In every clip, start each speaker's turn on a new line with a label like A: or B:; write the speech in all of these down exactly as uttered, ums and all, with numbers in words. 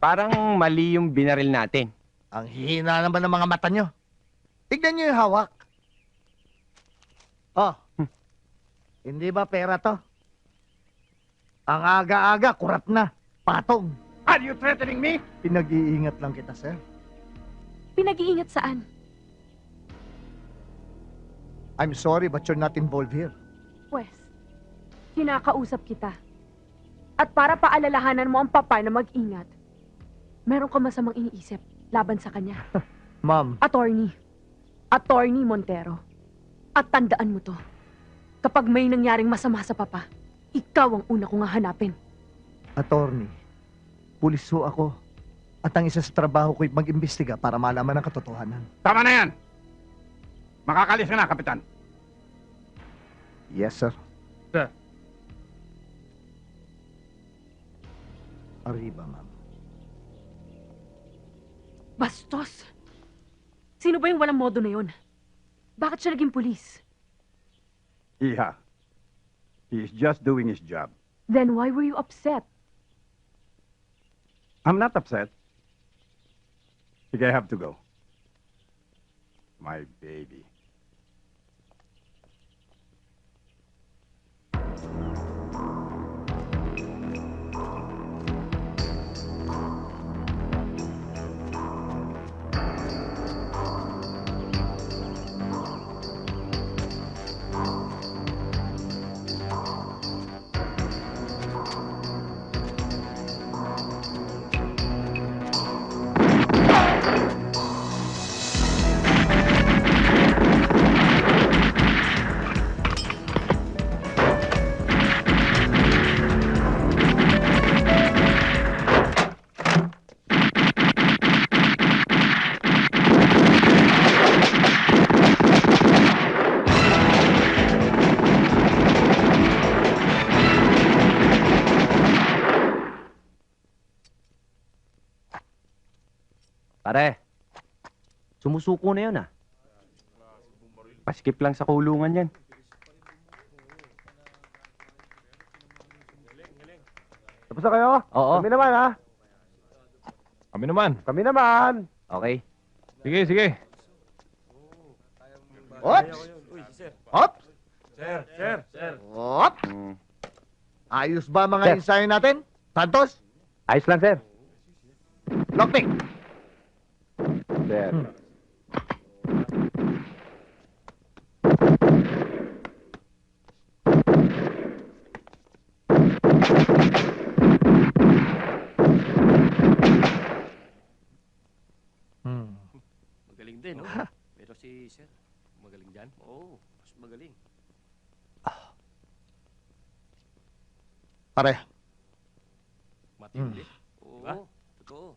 A: Parang mali yung binaril natin.
B: Ang hihina naman ng mga mata nyo. Tignan nyo yung hawak. Oh,
A: Hmm.
B: hindi ba pera to? Ang aga-aga, kurap na. Patong.
C: Are you threatening me?
B: Pinag-iingat lang kita, sir.
D: Pinag-iingat saan?
B: I'm sorry but you're not involved here.
D: Pwes, kinakausap kita. At para paalalahanan mo ang papa na mag-ingat, meron ka masamang iniisip laban sa kanya.
B: Ma'am,
D: Attorney. Attorney Montero. At tandaan mo to. Kapag may nangyaring masama sa papa, ikaw ang una kong hahanapin.
B: attorney, pulis ho ako. At ang isa sa trabaho ko'y mag-imbestiga para malaman ang katotohanan.
C: Tama na yan. Makakalis ka na, Kapitan.
B: Yes, sir.
C: Sir.
B: Arriba, ma'am.
D: Bastos! Sino ba yung walang modo na yun? Bakit siya naging pulis?
C: Iha. He is just doing his job.
D: Then why were you upset?
C: I'm not upset. Sige, I have to go. My baby.
A: Pare, sumusuko na yun ah. Paskip lang sa kulungan yan.
E: Tapos na kayo?
A: Oo.
E: Kami naman, ha?
F: Kami naman.
E: Kami naman.
A: Okay.
F: Sige, sige.
B: Oops! Oops!
F: Sir, sir, sir.
B: Oops!
A: Mm.
B: Ayos ba mga
A: Sir.
B: ensayo natin? Santos?
A: Ayos lang, sir.
B: Lockpick!
A: Sir.
B: Hmm. Hmm.
G: Magaling din, no? Pero si Sir, magaling dyan? Oo, mas magaling.
B: Pare,
G: Matindi. Oo, totoo.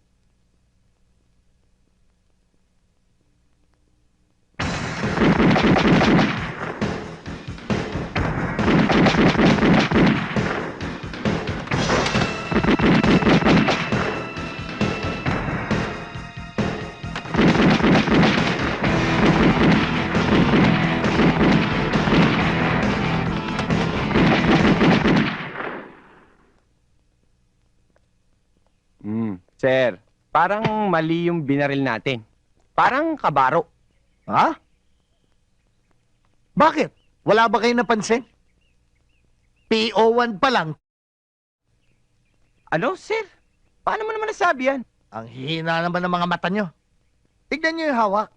A: Mm. Sir, parang mali yung binaril natin. Parang kabaro.
B: ha? Bakit? Wala ba kayo napansin? P O one pa lang.
A: Ano, sir? Paano mo naman nasabi yan?
B: Ang hihina naman ng mga mata nyo. Tignan nyo yung hawak.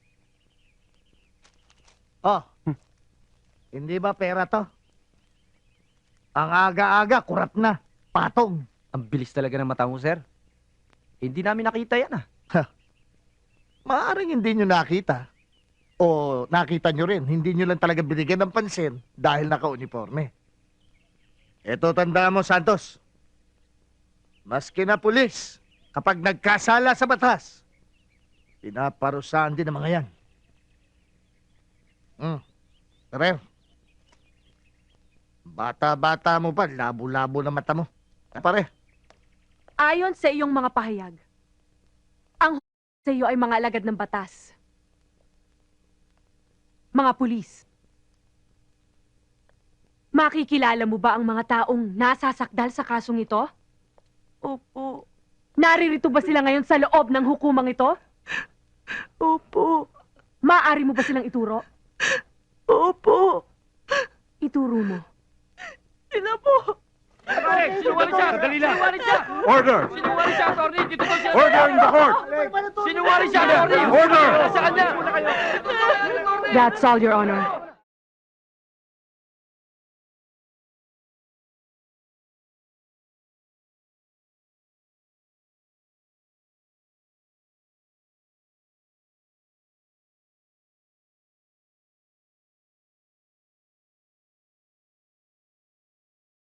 B: Oh, hindi ba pera to? Ang aga-aga, kurap na. Patong.
H: Ang bilis talaga ng mata mo, sir. Hindi namin nakita yan, ah.
B: Maaaring hindi nyo nakita. O nakita nyo rin, hindi nyo lang talaga binigyan ng pansin dahil naka-uniforme. Eto, tandaan mo, Santos. Maski na pulis, kapag nagkasala sa batas, pinaparusahan din ng mga yan. Hmm. Pero, bata-bata mo pa, labo-labo na mata mo. Ah, pare,
D: Ayon sa iyong mga pahayag, ang sa iyo ay mga alagad ng batas. Mga pulis. Makikilala mo ba ang mga taong nasasakdal sa kasong ito?
H: Opo.
D: Naririto ba sila ngayon sa loob ng hukumang ito?
I: Opo.
D: Maaari mo ba silang ituro?
I: Opo.
D: Ituro mo.
I: Sila po.
G: Sinungaling siya! Dali lang! Sinungaling siya!
C: Order!
G: Sinungaling siya, attorney! Dito daw siya!
C: Order in the court!
G: Sinungaling siya, attorney!
C: Order!
G: Sa kanya!
D: That's all, Your Honor.